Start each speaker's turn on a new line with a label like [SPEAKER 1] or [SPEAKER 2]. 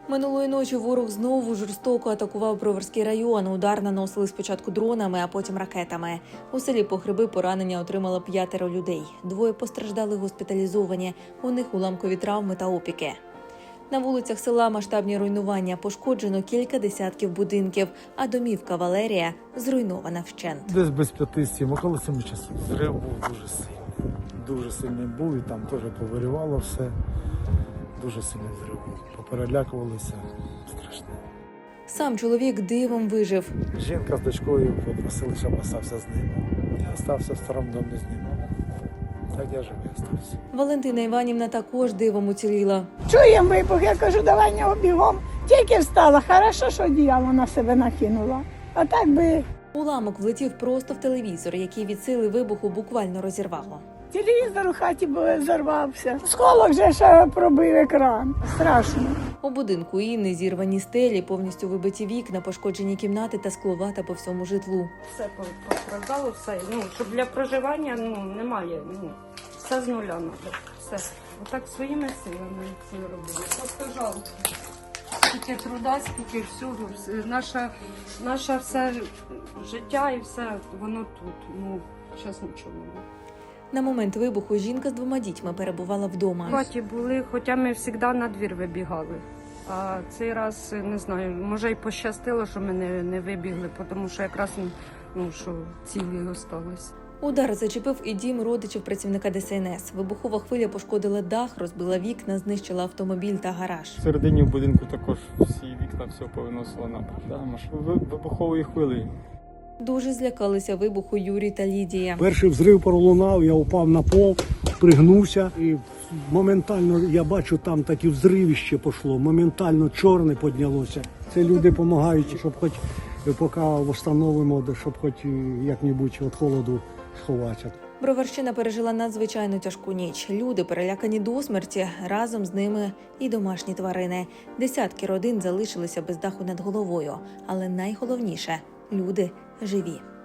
[SPEAKER 1] Минулої ночі ворог знову жорстоко атакував Броварський район. Удар наносили спочатку дронами, а потім ракетами. У селі Погреби поранення отримало 5 людей. 2 постраждали госпіталізовані. У них уламкові травми та опіки. На вулицях села масштабні руйнування. Пошкоджено кілька десятків будинків, а домівка Валерія зруйнована вщент.
[SPEAKER 2] Десь без 5-7, около 7 часов. Зрив був дуже сильний. Дуже сильний був і там теж повирівало все. Дуже сильний зрив був. Поперелякувалися. Страшно.
[SPEAKER 1] Сам чоловік дивом вижив.
[SPEAKER 2] Жінка з дочкою попросили, щоб остався з ними. Я остався в старому домі з ними. Так я живий остався.
[SPEAKER 1] Валентина Іванівна також дивом уціліла.
[SPEAKER 3] Чуємо вибух, я кажу, давай нього бігом. Тільки встала, хорошо, що одіяло на себе накинула. А так би
[SPEAKER 1] Уламок влетів просто в телевізор, який від сили вибуху буквально розірвало.
[SPEAKER 3] телевізор у хаті зарвався. Сколок же ще пробив екран. Страшно.
[SPEAKER 1] У будинку Інни зірвані стелі, повністю вибиті вікна, пошкоджені кімнати та скловата по всьому житлу.
[SPEAKER 4] Все постраждало, все. Щоб для проживання немає. Все з нуля треба. Все. Отак своїми силами це робили. Просто жалко. Скільки труда, скільки всього. Наше все життя і все, воно тут. Зараз нічого немає.
[SPEAKER 1] На момент вибуху жінка з 2 дітьми перебувала вдома.
[SPEAKER 4] В хаті були, хоча ми завжди на двір вибігали. А цей раз, не знаю, може й пощастило, що ми не вибігли, тому що якраз що цілі залишились.
[SPEAKER 1] Удар зачепив і дім родичів працівника ДСНС. Вибухова хвиля пошкодила дах, розбила вікна, знищила автомобіль та гараж.
[SPEAKER 5] Всередині в будинку також всі вікна все повиносило на вибухової хвилі.
[SPEAKER 1] Дуже злякалися вибуху Юрій та Лідія.
[SPEAKER 6] Перший взрив пролунав, я упав на пол, пригнувся і моментально я бачу, там таке взривище пішло, моментально чорне піднялося. Це люди допомагають, щоб хоч поки встановимо, щоб хоч як-небудь від холоду сховатися.
[SPEAKER 1] Броварщина пережила надзвичайно тяжку ніч. Люди перелякані до смерті, разом з ними і домашні тварини. Десятки родин залишилися без даху над головою. Але найголовніше – люди живі.